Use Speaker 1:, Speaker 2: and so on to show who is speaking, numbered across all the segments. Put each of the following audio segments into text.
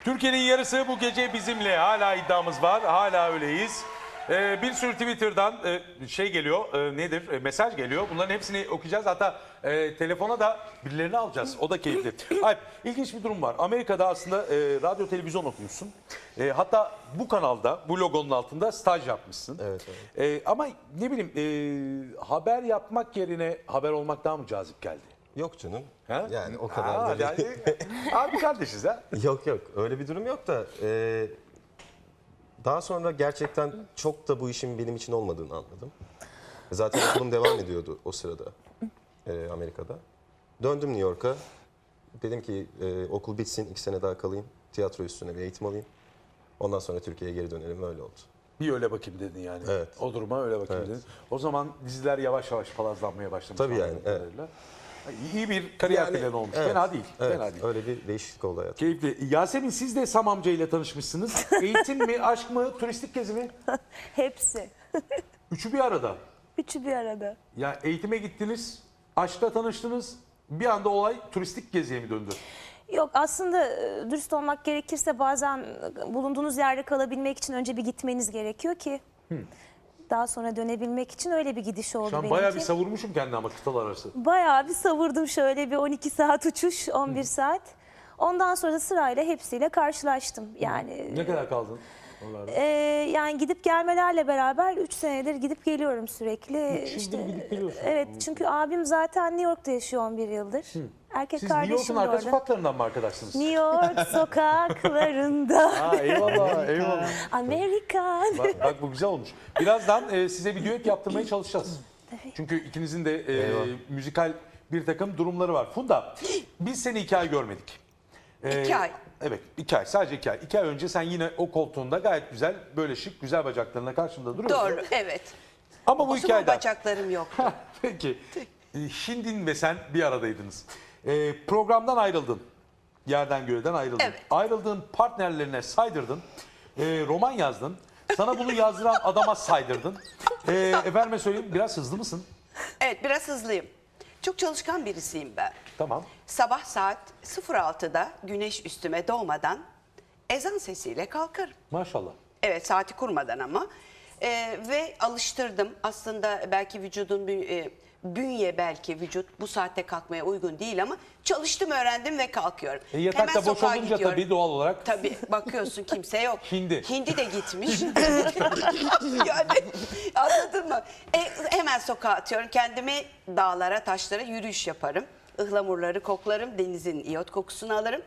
Speaker 1: Türkiye'nin yarısı bu gece bizimle. Hala iddiamız var. Hala öyleyiz. Bir sürü Twitter'dan şey geliyor. Nedir? Mesaj geliyor. Bunların hepsini okuyacağız. Hatta telefona da birilerini alacağız. O da keyifli. Alp, ilginç bir durum var. Amerika'da aslında radyo televizyon okumuşsun. Hatta bu kanalda, bu logonun altında staj yapmışsın.
Speaker 2: Evet.
Speaker 1: Ama ne bileyim haber yapmak yerine haber olmak daha mı cazip geldi?
Speaker 2: Yok canım.
Speaker 1: Ha?
Speaker 2: Yani o kadar da
Speaker 1: Yani, abi kardeşiz ha.
Speaker 2: Yok öyle bir durum yok da daha sonra gerçekten çok da bu işin benim için olmadığını anladım. Zaten okulum devam ediyordu o sırada Amerika'da. Döndüm New York'a. Dedim ki okul bitsin 2 sene daha kalayım. Tiyatro üstüne bir eğitim alayım. Ondan sonra Türkiye'ye geri dönelim, öyle oldu.
Speaker 1: Bir öyle bakayım dedin yani.
Speaker 2: Evet.
Speaker 1: O duruma öyle bakayım
Speaker 2: Evet.
Speaker 1: dedin. O zaman diziler yavaş yavaş palazlanmaya başlamış.
Speaker 2: Tabii yani,
Speaker 1: anladığım
Speaker 2: evet.
Speaker 1: kadarıyla. İyi bir kariyer planı olmuş.
Speaker 2: Evet,
Speaker 1: Fena değil.
Speaker 2: evet,
Speaker 1: Fena değil.
Speaker 2: öyle bir değişiklik oldu hayatım.
Speaker 1: Keyifli. Yasemin, siz de Sam amca ile tanışmışsınız. Eğitim mi, aşk mı, turistik gezi mi?
Speaker 3: Hepsi.
Speaker 1: Üçü bir arada.
Speaker 3: Üçü bir arada.
Speaker 1: Ya eğitime gittiniz, aşkla tanıştınız. Bir anda olay turistik geziye mi döndü?
Speaker 3: Yok, aslında dürüst olmak gerekirse bazen bulunduğunuz yerde kalabilmek için önce bir gitmeniz gerekiyor ki daha sonra dönebilmek için öyle bir gidiş oldu
Speaker 1: Şu an
Speaker 3: benimki.
Speaker 1: bayağı bir savurmuşum kendimi ama kıtalar arası.
Speaker 3: Bayağı bir savurdum, şöyle bir 12 saat uçuş, 11 saat. Ondan sonra da sırayla hepsiyle karşılaştım. Yani
Speaker 1: Ne kadar kaldın onlarda?
Speaker 3: yani gidip gelmelerle beraber 3 senedir gidip geliyorum sürekli.
Speaker 1: 3 yıldır gidip geliyorsun.
Speaker 3: Evet, çünkü abim zaten New York'ta yaşıyor 11 yıldır. Erkek
Speaker 1: Siz New
Speaker 3: kardeşim
Speaker 1: York'un
Speaker 3: de
Speaker 1: arka
Speaker 3: orada.
Speaker 1: sokaklarından mı arkadaşsınız?
Speaker 3: New York sokaklarında.
Speaker 1: Ha, eyvallah, eyvallah.
Speaker 3: Amerikan.
Speaker 1: Bak bu güzel olmuş. Birazdan size bir düet yaptırmaya çalışacağız.
Speaker 3: Tabii.
Speaker 1: Çünkü ikinizin de
Speaker 2: Eyvah.
Speaker 1: müzikal bir takım durumları var. Funda, biz seni 2 ay görmedik.
Speaker 4: 2 ay.
Speaker 1: Evet, 2 ay. Sadece 2 ay. 2 ay önce sen yine o koltuğunda gayet güzel, böyle şık, güzel bacaklarına karşımda duruyorsun.
Speaker 4: Doğru, evet.
Speaker 1: Ama bu
Speaker 4: O
Speaker 1: 2
Speaker 4: zaman
Speaker 1: ayda...
Speaker 4: bacaklarım yoktu.
Speaker 1: Peki, Şindin ve sen bir aradaydınız. Programdan ayrıldın. Yerden göğden ayrıldın.
Speaker 4: Evet.
Speaker 1: Ayrıldığın partnerlerine saydırdın. Roman yazdın. Sana bunu yazdıran adama saydırdın. Efendime söyleyeyim, biraz hızlı mısın?
Speaker 4: Evet, biraz hızlıyım. Çok çalışkan birisiyim ben.
Speaker 1: Tamam.
Speaker 4: Sabah saat 06'da güneş üstüme doğmadan ezan sesiyle kalkarım.
Speaker 1: Maşallah.
Speaker 4: Evet, saati kurmadan ama. Ve alıştırdım. Aslında belki vücudun bir bünye, belki vücut bu saatte kalkmaya uygun değil ama çalıştım, öğrendim ve kalkıyorum.
Speaker 1: Yatakta boş
Speaker 4: sokağa
Speaker 1: olunca
Speaker 4: gidiyorum.
Speaker 1: tabii doğal olarak.
Speaker 4: Tabii, bakıyorsun kimse yok.
Speaker 1: Hindi.
Speaker 4: Hindi de gitmiş. Yani anladın mı? Hemen sokağa atıyorum. Kendimi dağlara, taşlara yürüyüş yaparım. Ihlamurları koklarım. Denizin iyot kokusunu alırım.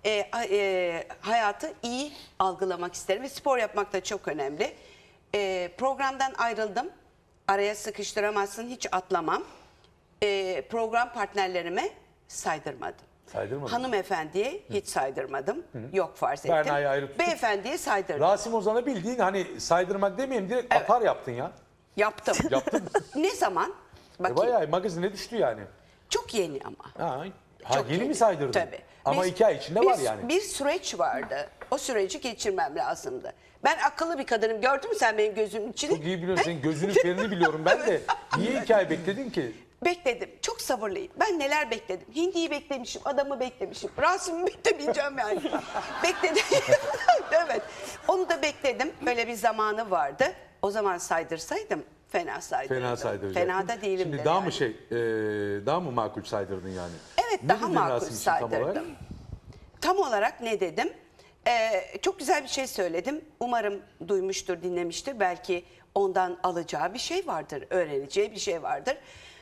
Speaker 4: Hayatı iyi algılamak isterim ve spor yapmak da çok önemli. Programdan ayrıldım. Araya sıkıştıramazsın, hiç atlamam. Program partnerlerime saydırmadım.
Speaker 1: Saydırmadın.
Speaker 4: Hanımefendiye hiç saydırmadım. Yok, farz ettim.
Speaker 1: Berna'yı ayrı tutup-
Speaker 4: Beyefendiye saydırdım.
Speaker 1: Rasim Ozan'a bildiğin hani saydırmak demeyeyim, direkt
Speaker 4: Evet.
Speaker 1: atar yaptın ya.
Speaker 4: Yaptım.
Speaker 1: Yaptın.
Speaker 4: Ne zaman? Bakayım.
Speaker 1: Bayağı magazine düştü yani.
Speaker 4: Çok yeni ama.
Speaker 1: Ha, yeni mi saydırdın?
Speaker 4: Tabii.
Speaker 1: Ama 2 ay içinde var yani.
Speaker 4: Bir süreç vardı. O süreci geçirmem lazımdı. Ben akıllı bir kadınım. Gördün mü sen benim gözümün içini?
Speaker 1: Çok iyi biliyorsun. Senin gözünün ferini biliyorum ben de. Niye 2 ay bekledin ki?
Speaker 4: Bekledim. Çok sabırlıyım. Ben neler bekledim. Hindi'yi beklemişim, adamı beklemişim. Rasim'i beklemeyeceğim yani. Bekledim. Evet. Onu da bekledim. Böyle bir zamanı vardı. O zaman saydırsaydım fena saydırdım.
Speaker 1: Fena saydıracaktın.
Speaker 4: Fena da değilim
Speaker 1: Şimdi
Speaker 4: de
Speaker 1: daha
Speaker 4: yani.
Speaker 1: mı daha mı makul saydırdın yani?
Speaker 4: Evet,
Speaker 1: Ne
Speaker 4: daha
Speaker 1: dedin
Speaker 4: makul
Speaker 1: Rasim için tam olarak?
Speaker 4: saydırdım. Tam olarak ne dedim? Çok güzel bir şey söyledim. Umarım duymuştur, dinlemiştir. Belki ondan alacağı bir şey vardır, öğreneceği bir şey vardır.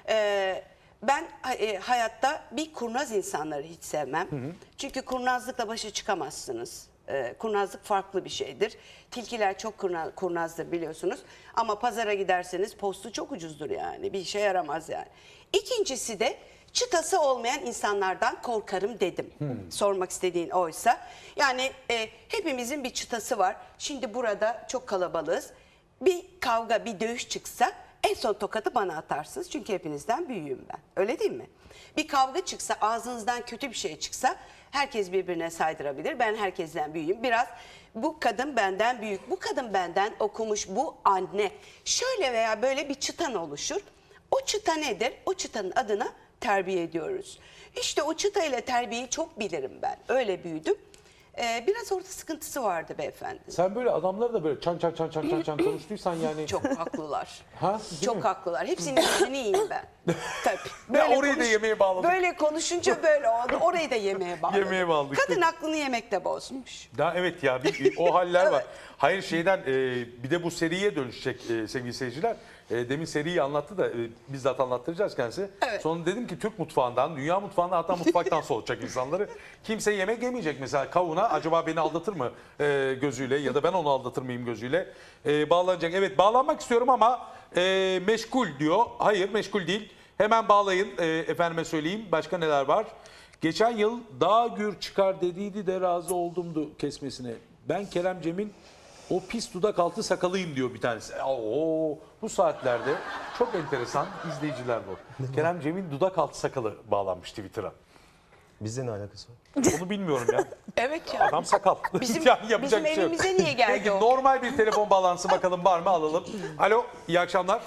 Speaker 4: Ben hayatta bir kurnaz insanları hiç sevmem. Çünkü kurnazlıkla başa çıkamazsınız. Kurnazlık farklı bir şeydir. Tilkiler çok kurnazdır biliyorsunuz. Ama pazara giderseniz postu çok ucuzdur yani. Bir işe yaramaz yani. İkincisi de çıtası olmayan insanlardan korkarım dedim. Sormak istediğin oysa. Yani hepimizin bir çıtası var. Şimdi burada çok kalabalığız. Bir kavga, bir dövüş çıksa en son tokadı bana atarsınız. Çünkü hepinizden büyüğüm ben. Öyle değil mi? Bir kavga çıksa, ağzınızdan kötü bir şey çıksa herkes birbirine saydırabilir. Ben herkesten büyüğüm. Biraz bu kadın benden büyük, bu kadın benden okumuş, bu anne. Şöyle veya böyle bir çıtan oluşur. O çıta nedir? O çıtanın adına terbiye ediyoruz. İşte o çıta ile terbiyeyi çok bilirim ben. Öyle büyüdüm. Biraz orada sıkıntısı vardı beyefendi.
Speaker 1: Sen böyle adamları da böyle çan konuştuysan yani.
Speaker 4: Çok haklılar.
Speaker 1: Ha, değil
Speaker 4: Çok
Speaker 1: mi?
Speaker 4: haklılar. Hepsinin yüzünü yiyeyim ben. Tabii.
Speaker 1: Ya orayı da yemeğe bağladık.
Speaker 4: Böyle konuşunca böyle oldu. Orayı da yemeğe bağladık.
Speaker 1: Yemeğe bağladık.
Speaker 4: Kadın aklını yemekte bozmuş.
Speaker 1: Ya evet ya o haller var.
Speaker 4: Evet.
Speaker 1: Hayır şeyden bir de bu seriye dönüşecek sevgili seyirciler. Demin seriyi anlattı da bizzat anlattıracağız kendisi.
Speaker 4: Evet.
Speaker 1: Sonra dedim ki Türk mutfağından, dünya mutfağından hatta mutfaktan soğutacak insanları. Kimse yemek yemeyecek mesela kavuna acaba beni aldatır mı gözüyle ya da ben onu aldatır mıyım gözüyle bağlanacak. Evet bağlanmak istiyorum ama meşgul diyor. Hayır meşgul değil. Hemen bağlayın efendime söyleyeyim. Başka neler var? Geçen yıl daha gür çıkar dediydi de razı oldumdu kesmesine. Ben Kerem Cem'in o pis dudak altı sakalıyım diyor bir tanesi. Oo, bu saatlerde çok enteresan izleyiciler bu. Kerem Cem'in dudak altı sakalı bağlanmış Twitter'a.
Speaker 2: Bizde ne alakası var?
Speaker 1: Onu bilmiyorum ya.
Speaker 4: Evet ya.
Speaker 1: Adam sakal.
Speaker 4: Bizim,
Speaker 1: Yani yapacak
Speaker 4: bizim
Speaker 1: bir şey yok.
Speaker 4: evimize niye geldi
Speaker 1: Peki
Speaker 4: o?
Speaker 1: normal bir telefon bağlantısı bakalım var mı alalım. Alo iyi akşamlar.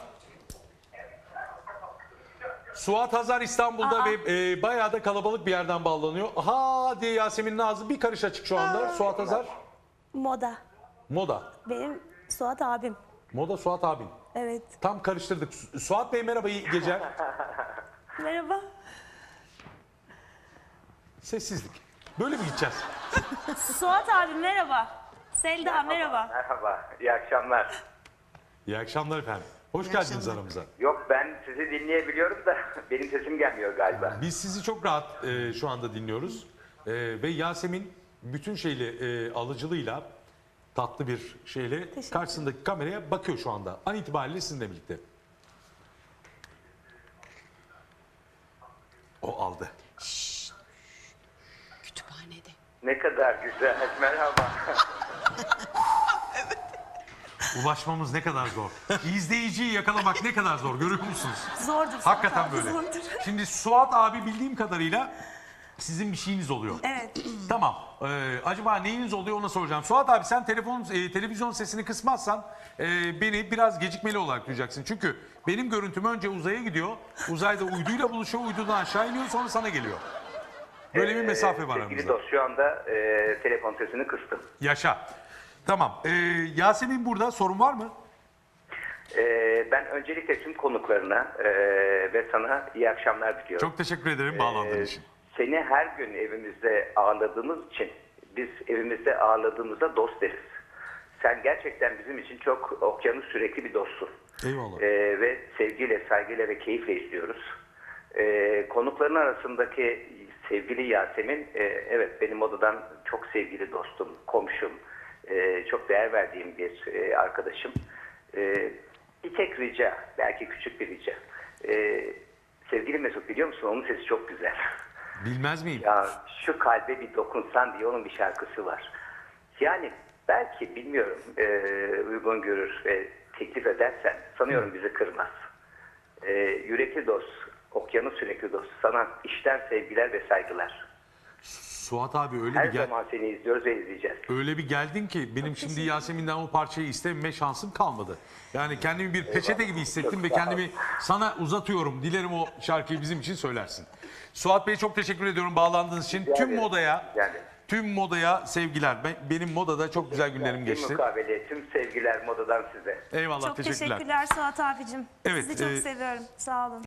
Speaker 1: Suat Hazar İstanbul'da ve bayağı da kalabalık bir yerden bağlanıyor. Aha diye Yasemin'in ağzı bir karış açık şu anda. Suat Hazar.
Speaker 3: Moda.
Speaker 1: Moda.
Speaker 3: Benim Suat abim.
Speaker 1: Moda Suat abin.
Speaker 3: Evet.
Speaker 1: Tam karıştırdık. Suat Bey merhaba iyi geceler.
Speaker 3: Merhaba.
Speaker 1: Sessizlik. Böyle mi gideceğiz?
Speaker 3: Suat abim merhaba. Selda merhaba.
Speaker 5: Merhaba, iyi akşamlar.
Speaker 1: İyi akşamlar efendim. Hoş geldiniz aramıza.
Speaker 5: Yok ben sizi dinleyebiliyorum da benim sesim gelmiyor galiba.
Speaker 1: Biz sizi çok rahat şu anda dinliyoruz. Ve Yasemin bütün alıcılığıyla tatlı bir şeyle karşısındaki kameraya bakıyor şu anda. An itibariyle sizinle birlikte. O aldı.
Speaker 4: Kütüphanede.
Speaker 5: Ne kadar güzel, merhaba.
Speaker 1: Ulaşmamız ne kadar zor. İzleyiciyi yakalamak ne kadar zor görüyor musunuz?
Speaker 3: Zordur. Suat
Speaker 1: Hakikaten
Speaker 3: abi,
Speaker 1: böyle.
Speaker 3: zordur.
Speaker 1: Şimdi Suat abi bildiğim kadarıyla sizin bir şeyiniz oluyor.
Speaker 3: Evet.
Speaker 1: Tamam. Acaba neyiniz oluyor ona soracağım. Suat abi sen televizyon sesini kısmazsan beni biraz gecikmeli olarak duyacaksın. Çünkü benim görüntüm önce uzaya gidiyor. Uzayda uyduyla buluşuyor. Uydudan aşağı iniyor sonra sana geliyor. Böyle bir mesafe var
Speaker 5: Sevgili
Speaker 1: aramızda.
Speaker 5: dost şu anda telefon sesini kıstım.
Speaker 1: Yaşa. Tamam. Yasemin burada sorun var mı?
Speaker 5: Ben öncelikle tüm konuklarına ve sana iyi akşamlar diliyorum.
Speaker 1: Çok teşekkür ederim bağlandığın için.
Speaker 5: Seni her gün evimizde ağırladığımız için biz evimizde ağırladığımızda dost deriz. Sen gerçekten bizim için çok okyanus sürekli bir dostsun.
Speaker 1: Eyvallah.
Speaker 5: Ve sevgiyle, saygıyla ve keyifle izliyoruz. Konukların arasındaki sevgili Yasemin, evet benim odadan çok sevgili dostum, komşum, çok değer verdiğim bir arkadaşım. Bir tek rica, belki küçük bir rica. Sevgili Mesut biliyor musun onun sesi çok güzel.
Speaker 1: Bilmez miyim?
Speaker 5: Ya şu kalbe bir dokunsan diye onun bir şarkısı var. Yani belki bilmiyorum uygun görür ve teklif edersen sanıyorum bizi kırmaz. Yürekli dost, okyanus sürekli dost. Sana içten sevgiler ve saygılar.
Speaker 1: Suat abi öyle
Speaker 5: Her
Speaker 1: bir gel.
Speaker 5: zaman seni izliyoruz ve izleyeceğiz.
Speaker 1: Öyle bir geldin ki benim şimdi Yasemin'den o parçayı istememe şansım kalmadı. Yani kendimi bir peçete gibi hissettim
Speaker 5: Çok
Speaker 1: ve
Speaker 5: sağ ol.
Speaker 1: kendimi sana uzatıyorum. Dilerim o şarkıyı bizim için söylersin. Suat Bey çok teşekkür ediyorum bağlandığınız için.
Speaker 5: Rica
Speaker 1: Tüm
Speaker 5: ederim.
Speaker 1: modaya,
Speaker 5: Rica ederim.
Speaker 1: tüm modaya sevgiler. Benim modada çok güzel günlerim
Speaker 5: Bir
Speaker 1: geçti.
Speaker 5: mukabele, tüm sevgiler modadan size.
Speaker 1: Eyvallah
Speaker 3: Çok
Speaker 1: teşekkürler.
Speaker 3: teşekkürler Suat abicim.
Speaker 1: Evet,
Speaker 3: Sizi çok seviyorum. Sağ olun.